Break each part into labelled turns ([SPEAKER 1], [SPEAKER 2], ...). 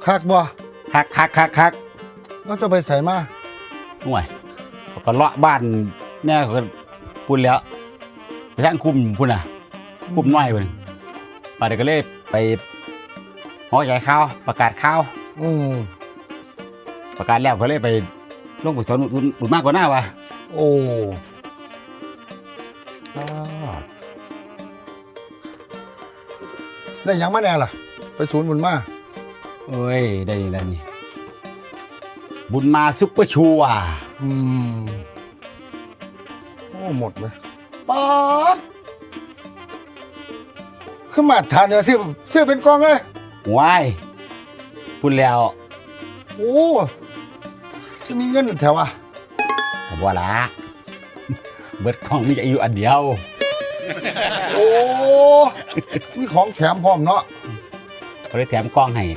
[SPEAKER 1] คักบ่
[SPEAKER 2] คัก
[SPEAKER 1] เราจะไปใส่มา
[SPEAKER 2] ห่วยก็เลาะบ้านแม่ก็พูดแล้วไปทางคุมพุ่นน่ะคุมน้อยพุ่นป่าเด็กก็เลยไปหอใหญ่ข่าวประกาศข่าวประกาศแล้วก็เลยไปลงไปสอนบุญมากกว่าหน้าวะ
[SPEAKER 1] โอ้ได้ยังมาแน่ล่ะไปศูนย์บุญมา
[SPEAKER 2] โอ้ยได้นี่บุญมาซุปเปอร์ชัว
[SPEAKER 1] โอ้หมดเลยป๊าดขึ้นมาทานเนื้อซื้อเป็นกองเลย
[SPEAKER 2] ว้ายพูดแล้ว
[SPEAKER 1] โอ้จะมีเงินแถวอ่ะ
[SPEAKER 2] ผมว่าละเบิดกองมีอายุอันเดียว
[SPEAKER 1] โอ้มีของแถมพร้อมเนาะ
[SPEAKER 2] เขาเลยแถมกล้องให้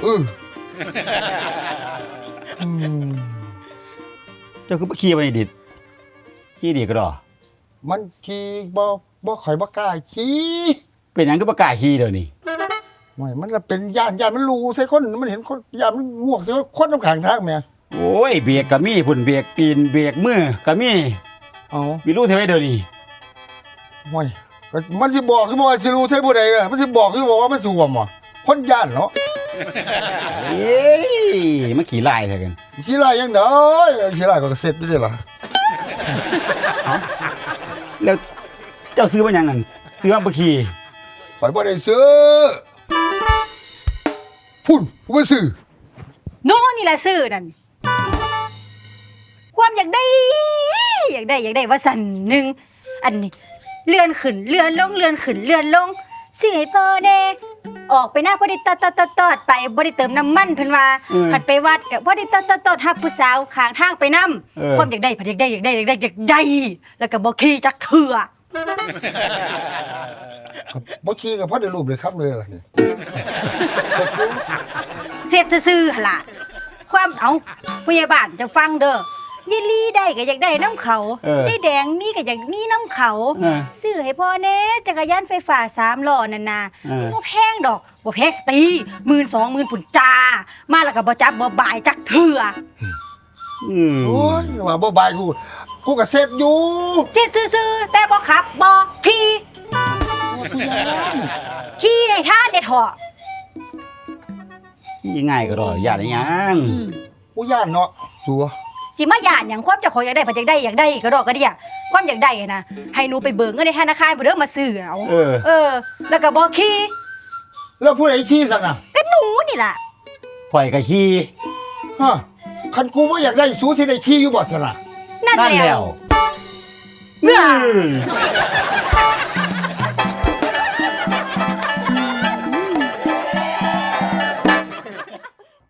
[SPEAKER 2] เจ้าคือบ่ขี่ไปดิขี่ดีก็ดอ
[SPEAKER 1] มันขี่บ่ข่อยบ่กล้าขี่
[SPEAKER 2] เป็นหยังก็บ่กล้าขี่เดี๋ยวนี้
[SPEAKER 1] ไม่มันละเป็นย่านมันรู้ใส่คนมันเห็นคนย่านมันงวกใส่คนน้ำขังทางแม่
[SPEAKER 2] โอ้ยเบรกก็มีพุ่นเบรกตีนเบรกมือก็มีมีรู้ใช่ไหมเดี๋ยวนี้
[SPEAKER 1] ไม่มันสิบอกคือบ่สิรู้ใช่ผู้ใดอ่ะมันสิบอกคือบอกว่ามันสวมอ่ะคนย่านเนาะ
[SPEAKER 2] เอ้ยมันขี่ไล่ใช่กัน
[SPEAKER 1] ขี่ไล่ยังเด้อขี่ไล่ก็เสร็จได้เหรอ
[SPEAKER 2] แล้วเจ้าซื้อมายังงั้นซื้อมาบ่ขี่
[SPEAKER 1] ข่อยบ่ได้ซื้อพุ่นบ่ซื้อ
[SPEAKER 3] โน่นี่แหละซื้อนั่นความอยากได้ว่าสั่นหนึ่งอันนี้เลื่อนขึ้นเลื่อนลงเลื่อนขึ้นเลื่อนลงสิให้พ่อแน่ออกไปหน้าพอดีตอดไปบ่ได้เติมน้ำมันเพิ่นว่าขัดไปวัดก็พอดีตอดฮักผู้สาวข้างทางไปนำความอยากได้แล้วก็บ่ขี่จักเทื่อ
[SPEAKER 1] บ่ขี่ก็พอได้รูปเลยครับเลยล่ะนี่
[SPEAKER 3] เสร็จซื่อๆหั่นล่ะความผู้ใหญ่บ้านจะฟังเด้อยายลีได้ก็อยากได้น้ำเขายายแดงมีก็อยากมีน้ำเขาซื้อให้พ่อแน่จักรยานไฟฟ้า3ล้อนั่นน่ะบ่แพงดอกบ่แพงตี 12,000 ปุ่นจ้ามาแล้วก็บ่จับบ่บายจักเทื่อ
[SPEAKER 1] โอ้ยว่าบ่บายกูก็เสร็จอยู่
[SPEAKER 3] เสร็จซื่อๆแต่บ่ขับบ่ขี่ในท่าเด็ดเหาะ
[SPEAKER 2] ยังไงก็รอย่านยัง
[SPEAKER 1] กูย่านเนาะสัว
[SPEAKER 3] สิมาย่านหยังความเจ้าของอยากได้ก็ดอกก็เดียความอยากได้นะให้หนูไปเบิกเงินในธนาคารบ่เด้อมาซื้อเอาแล้วก็บ่ขี่
[SPEAKER 1] แล้วผู้ใดขี่ซั่นน่ะ
[SPEAKER 3] ก็หนูนี่ล่ะ
[SPEAKER 2] ข่อยก็ขี่
[SPEAKER 1] ฮะคันกูบ่อยากได้สูสิได้ขี่อยู่บ่ซั่นน่ะ
[SPEAKER 3] นั่นแล้ว